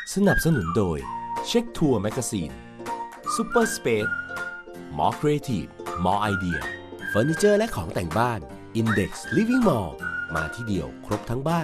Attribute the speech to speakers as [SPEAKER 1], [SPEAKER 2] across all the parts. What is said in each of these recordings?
[SPEAKER 1] สนับสนุนโดยเช็คทัวร์แมกกาซีนซูเปอร์สเปซมอครีเอทีฟมอไอเดียเฟอร์นิเจอร์และของแต่งบ้าน Index Living Mall มาที่เดียวครบทั้งบ้าน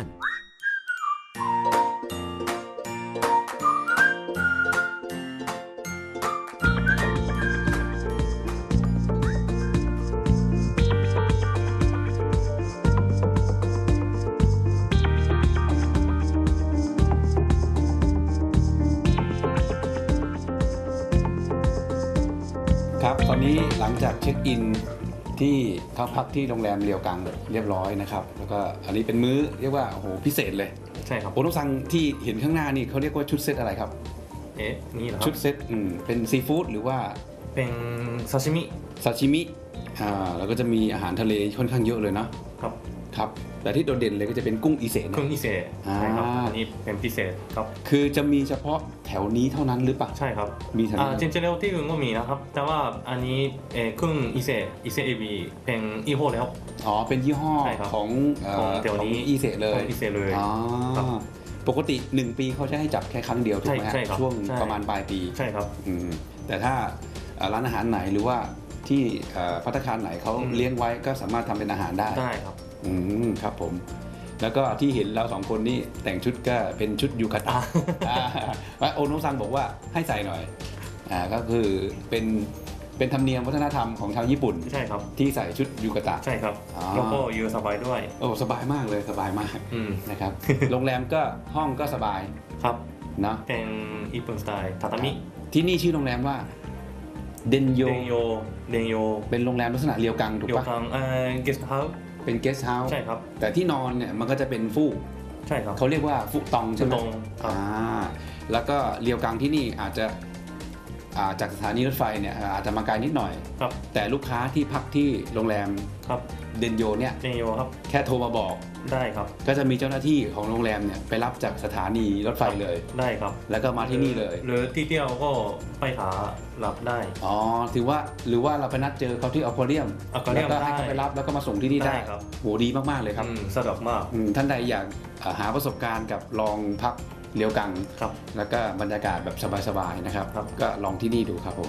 [SPEAKER 2] ครับตอนนี้หลังจากเช็คอินที่เข้าพักที่โรงแรมเรียวกังเรียบร้อยนะครับแล้วก็อันนี้เป็นมื้อเรียกว่าโอ้โหพิเศษเลย
[SPEAKER 3] ใช่ครับ
[SPEAKER 2] โอโนซังที่เห็นข้างหน้านี่เขาเรียกว่าชุดเซตอะไรครับ
[SPEAKER 3] นี่เหรอค
[SPEAKER 2] ชุ
[SPEAKER 3] รั
[SPEAKER 2] ด
[SPEAKER 3] บ
[SPEAKER 2] เซตเป็นซีฟู้ดหรือว่า
[SPEAKER 3] เป็นซาชิมิ
[SPEAKER 2] ซาชิมิแล้วก็จะมีอาหารทะเลค่อนข้างเยอะเลย
[SPEAKER 3] ครับ
[SPEAKER 2] ครับแต่ที่โดดเด่นเลยก็จะเป็นกุ้งอิเซะ
[SPEAKER 3] กุ้งอิเซะใช่ครับอันนี้เป็นพิเศษครับ
[SPEAKER 2] คือจะมีเฉพาะแถวนี้เท่านั้นหรือเปล่า
[SPEAKER 3] ใช่ครับ
[SPEAKER 2] มีแถวนี้
[SPEAKER 3] จริงๆแล้วที่อื่นก็มีนะครับแต่ว่าอันนี้กุ้งอิเซะเอบีเป็นยี่ห้อแล้ว
[SPEAKER 2] อ๋อเป็นยี่ห้อของ
[SPEAKER 3] แถวนี้
[SPEAKER 2] อิเซะเลย
[SPEAKER 3] อิเซะเลย
[SPEAKER 2] ปกติ1ปีเขาจะให้จับแค่ครั้งเดียวถูกไหมช่วงประมาณปลายปี
[SPEAKER 3] ใช่ครับ
[SPEAKER 2] แต่ถ้าร้านอาหารไหนหรือว่าที่ภัตตาคารไหนเขาเลี้ยงไว้ก็สามารถทำเป็นอาหารได้
[SPEAKER 3] ครับ
[SPEAKER 2] ครับผมแล้วก็ที่เห็นเรา2คนนี่แต่งชุดก็เป็นชุดยูคาตะว่าโอโนะซังบอกว่าให้ใส่หน่อยก็คือเป็นธรรมเนียมวัฒนธรรมของชาวญี่ปุ่น
[SPEAKER 3] ใช่ครับ
[SPEAKER 2] ที่ใส่ชุดยูคาตะ
[SPEAKER 3] ใช่ครับแล้วก็อยู่สบายด้วย
[SPEAKER 2] โอ้สบายมากเลยสบายมากนะครับ โรงแรมก็ห้องก็สบาย
[SPEAKER 3] ครับ
[SPEAKER 2] เนาะ
[SPEAKER 3] เป็นญี่ปุ่นสไตล์ทาตามิ
[SPEAKER 2] ที่นี่ชื่อโรงแรมว่าเดนโยเป็นโรงแรมลักษณะเรียวกังถูกปะ
[SPEAKER 3] เกสต์เฮาส์
[SPEAKER 2] เป็นเกสต์เฮาส์
[SPEAKER 3] ใช่ครับ
[SPEAKER 2] แต่ที่นอนเนี่ยมันก็จะเป็นฟูก
[SPEAKER 3] ใช่ครับ
[SPEAKER 2] เขาเรียกว่าฟูกตองใช่ไหมแล้วก็เรียวกังที่นี่อาจจะจากสถานีรถไฟเนี่ยอาจจะมาไกลนิดหน่อยแต่ลูกค้าที่พักที่โรงแรมเดนโยเนี่ย
[SPEAKER 3] ครับ
[SPEAKER 2] แค่โทรมาบอก
[SPEAKER 3] ได้ครับ
[SPEAKER 2] ก็จะมีเจ้าหน้าที่ของโรงแรมเนี่ยไปรับจากสถานีรถไฟเลย
[SPEAKER 3] ได้ครับ
[SPEAKER 2] แล้วก็มาที่นี่เลย
[SPEAKER 3] หรือที่เดียวก็ไปหารับได้
[SPEAKER 2] ถือว่าหรือว่าเราไปนัดเจอเขาที่อควาเรียมแล้วก็ให้เขาไปรับแล้วก็มาส่งที่นี่ได้โหดีมากๆเลยครับ
[SPEAKER 3] สะดวกมาก
[SPEAKER 2] ท่านใดอยากหาประสบการณ์กับลองพักเรียวกังแล้วก็บรรยากาศแบบสบายๆนะครับก็ลองที่นี่ดูครับผม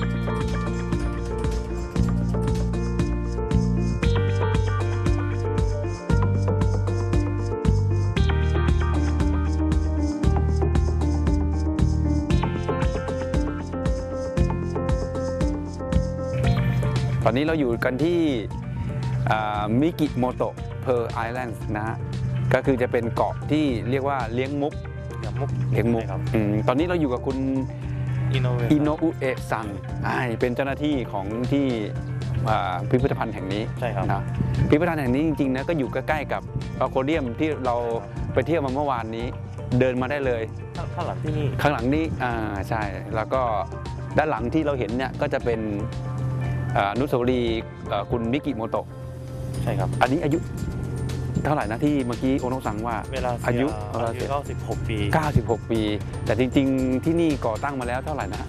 [SPEAKER 2] ตอนนี้เราอยู่กันที่มิกิโมโตะเพอร์ไอแลนด์นะฮะก็คือจะเป็นเกาะที่เรียกว่าเลี้ยงมุกตอนนี้เราอยู่กับคุณอิโนอุเอะซังเป็นเจ้าหน้าที่ของที่พิพิธภัณฑ์แห่งนี้
[SPEAKER 3] ใช่ครับ
[SPEAKER 2] นะพิพิธภัณฑ์แห่งนี้จริงๆนะก็อยู่ใกล้ๆกับอควาเรียมที่เราไปเที่ยวมาเมื่อวานนี้เดินมาได้เลย
[SPEAKER 3] ข้างหลังที่นี่
[SPEAKER 2] ข้างหลังนี้ใช่แล้วก็ด้านหลังที่เราเห็นเนี่ยก็จะเป็นอนุสาวรีย์คุณมิกิโมโตะ
[SPEAKER 3] ใช่ครับ
[SPEAKER 2] อันนี้อายุเท่าไหร่นะที่เมื่อกี้โอโนะซังว่าอายุ
[SPEAKER 3] 96 ปี
[SPEAKER 2] 96 ปีแต่จริงๆที่นี่ก่อตั้งมาแล้วเท่าไหร่นะ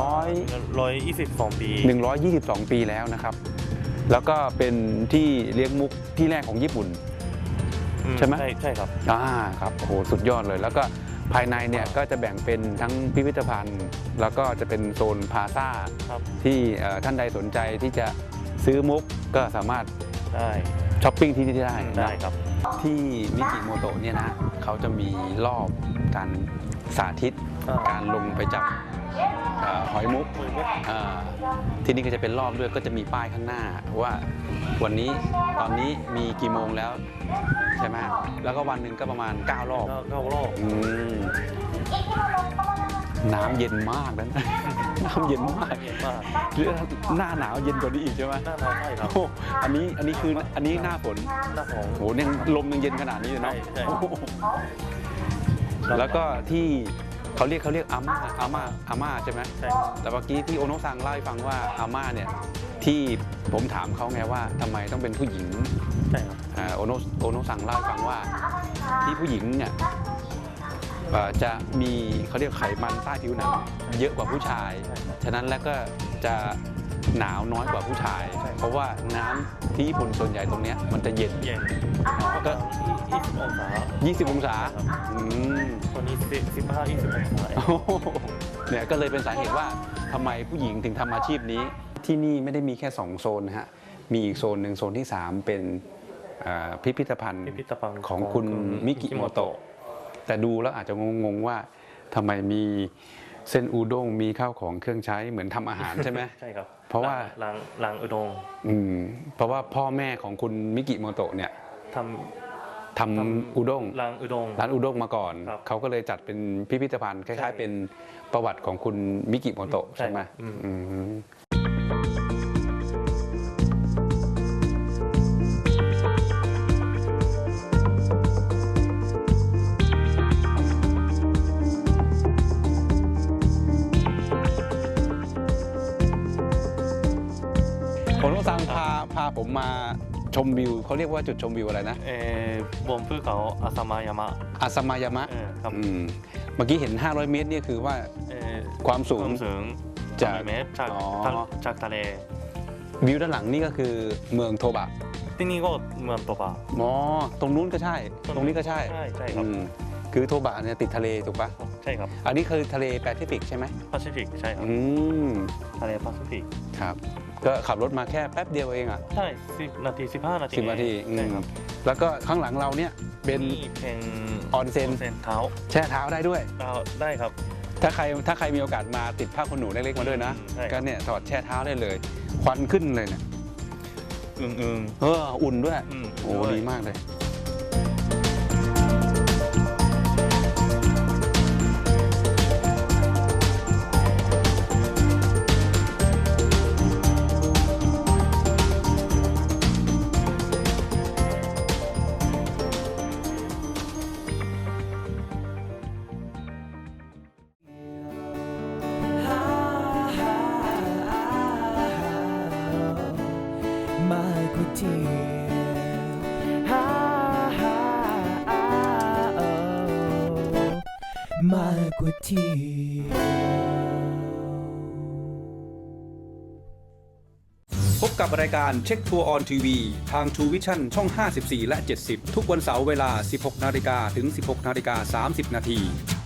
[SPEAKER 3] 122 ปี
[SPEAKER 2] 122 ปีแล้วนะครับแล้วก็เป็นที่เลี้ยงมุกที่แรกของญี่ปุ่นใช่ไหม
[SPEAKER 3] ใช่ครับ
[SPEAKER 2] ครับโอ้โหสุดยอดเลยแล้วก็ภายในเนี่ยก็จะแบ่งเป็นทั้งพิพิธภัณฑ์แล้วก็จะเป็นโซนพาซ่าที่ท่านใดสนใจที่จะซื้อมุกก็สามารถ
[SPEAKER 3] ได้
[SPEAKER 2] ช้อปปิ้งที่นี่
[SPEAKER 3] ได้ครับ
[SPEAKER 2] ที่มิกิโมโตะเนี่ยนะเขาจะมีรอบการสาธิตการลงไปจับหอยมุกที่นี่ก็จะเป็นรอบด้วยก็จะมีป้ายข้างหน้าว่าวันนี้ตอนนี้มีกี่โมงแล้วใช่ไหมแล้วก็วันหนึ่งก็ประมาณ9 รอบน้ำเย็นมากนะน้ำเย็นมากหรือหน้าหนาวเย็นกว่านี้อีกใช่ไหม
[SPEAKER 3] หน้าหนาวใช่ครับ
[SPEAKER 2] อันนี้คืออันนี้หน้าฝนโหเนี่ยลมยังเย็นขนาดนี้เลยเนาะแล้วก็ที่เขาเรียกอาม่าใช่ไหม
[SPEAKER 3] ใช่
[SPEAKER 2] แต่เมื่อกี้ที่โอโนะซังเล่าให้ฟังว่าอาม่าเนี่ยที่ผมถามเขาไงว่าทำไมต้องเป็นผู้หญิง
[SPEAKER 3] ใช่ครับ
[SPEAKER 2] โอโนะซังเล่าให้ฟังว่าที่ผู้หญิงเนี่ยจะมีเขาเรียกไขมันใต้ผิวหนังเยอะกว่าผู้ชายฉะนั้นแล้วก็จะหนาวน้อยกว่าผู้ชาย เพราะว่าน้ำที่ญี่ปุ่นส่วนใหญ่ตรงเนี้ยมันจะเย็น
[SPEAKER 3] เย็น
[SPEAKER 2] ก็
[SPEAKER 3] 20 องศา
[SPEAKER 2] 20 องศาอืม
[SPEAKER 3] ตัวนี้15-20 องศา
[SPEAKER 2] โอ้โหเนี่ยก็เลยเป็นสาเหตุว่าทำไมผู้หญิงถึงทำอาชีพนี้ ที่นี่ไม่ได้มีแค่ 2 โซนนะฮะ มีอีกโซนหนึ่งโซนที่ 3 เป็นพิพิธภัณฑ์
[SPEAKER 3] พิพิธภัณฑ์
[SPEAKER 2] ของคุณมิกิโมโตะ แต่ดูแล้วอาจจะงงๆว่าทำไมมีเส้นอูด้งมีข้าวของเครื่องใช้เหมือนทำอาหารใช่ไหม
[SPEAKER 3] ใช่ครับ
[SPEAKER 2] เพราะว่า
[SPEAKER 3] ร้านอุด้ง
[SPEAKER 2] เพราะว่าพ่อแม่ของคุณมิกิโมโตะเนี่ย
[SPEAKER 3] ท
[SPEAKER 2] ทำอูด้ง
[SPEAKER 3] ร้านอุด้ง
[SPEAKER 2] ร้านอูด้งมาก่อน
[SPEAKER 3] ครับ
[SPEAKER 2] เขาก็เลยจัดเป็นพิพิธภัณฑ์คล้าย
[SPEAKER 3] ใช่
[SPEAKER 2] ๆ เป็นประวัติของคุณมิกิโมโตะใช่ไหม
[SPEAKER 3] อืม
[SPEAKER 2] อืมผมต้องสั่งพาผมมาชมวิวเขาเรียกว่าจุดชมวิวอะไรนะ
[SPEAKER 3] บนภูเขาอาซามายามะ
[SPEAKER 2] อาซามายามะ
[SPEAKER 3] ครับ
[SPEAKER 2] เมื่อกี้เห็น 500 เมตรเนี่ยคือว่า ความสู
[SPEAKER 3] ค
[SPEAKER 2] ง
[SPEAKER 3] วามสูง
[SPEAKER 2] จาก
[SPEAKER 3] 300 เมตรจาก
[SPEAKER 2] อ๋อ
[SPEAKER 3] จากทะเล
[SPEAKER 2] วิวด้านหลังนี่ก็คือเมืองโทบะ
[SPEAKER 3] ที่นี่ก็เมืองโตบะ
[SPEAKER 2] อ๋อตรงนู้นก็ใช่ ตรงนี้ก็ใช่
[SPEAKER 3] ใช่ครับ
[SPEAKER 2] คือโทบะเนี่ยติดทะเลถูกปะ
[SPEAKER 3] ใช่ครับ
[SPEAKER 2] อันนี้คือทะเลแปซิฟิกใช่ไหม
[SPEAKER 3] แปซิฟิกใช่ครับ
[SPEAKER 2] อืม
[SPEAKER 3] ทะเลแปซิฟิก
[SPEAKER 2] ครับ ก็ขับรถมาแค่แป๊บเดียวเองอ่ะ
[SPEAKER 3] ใช่10 นาที 15 นาที
[SPEAKER 2] 10 นาที
[SPEAKER 3] ใช่ครับ
[SPEAKER 2] แล้วก็ข้างหลังเราเนี่ยเป็น
[SPEAKER 3] นี่เป็น
[SPEAKER 2] ออนเซ็น
[SPEAKER 3] เท้า
[SPEAKER 2] แช่เท้าได้ด้วย
[SPEAKER 3] ได้ครับ
[SPEAKER 2] ถ้าใครมีโอกาสมาติดผ้าขนหนูเล็กๆมาด้วยนะ
[SPEAKER 3] ใช่ครับ
[SPEAKER 2] ก็เนี่ยถอดแช่เท้าได้เลย ควันขึ้นเลยเนี่ย
[SPEAKER 3] อึ้ง
[SPEAKER 2] อุ่นด้วย
[SPEAKER 3] ๆ
[SPEAKER 2] โอ้ดีมากเลย
[SPEAKER 4] My good dear. My good dear.
[SPEAKER 5] พบกับรายการเช็คทัวร์ออนทีวีทาง True Vision ช่อง 54 และ 70 ทุกวันเสาร์เวลา 16 นาฬิกาถึง 16 นาฬิกา 30 นาที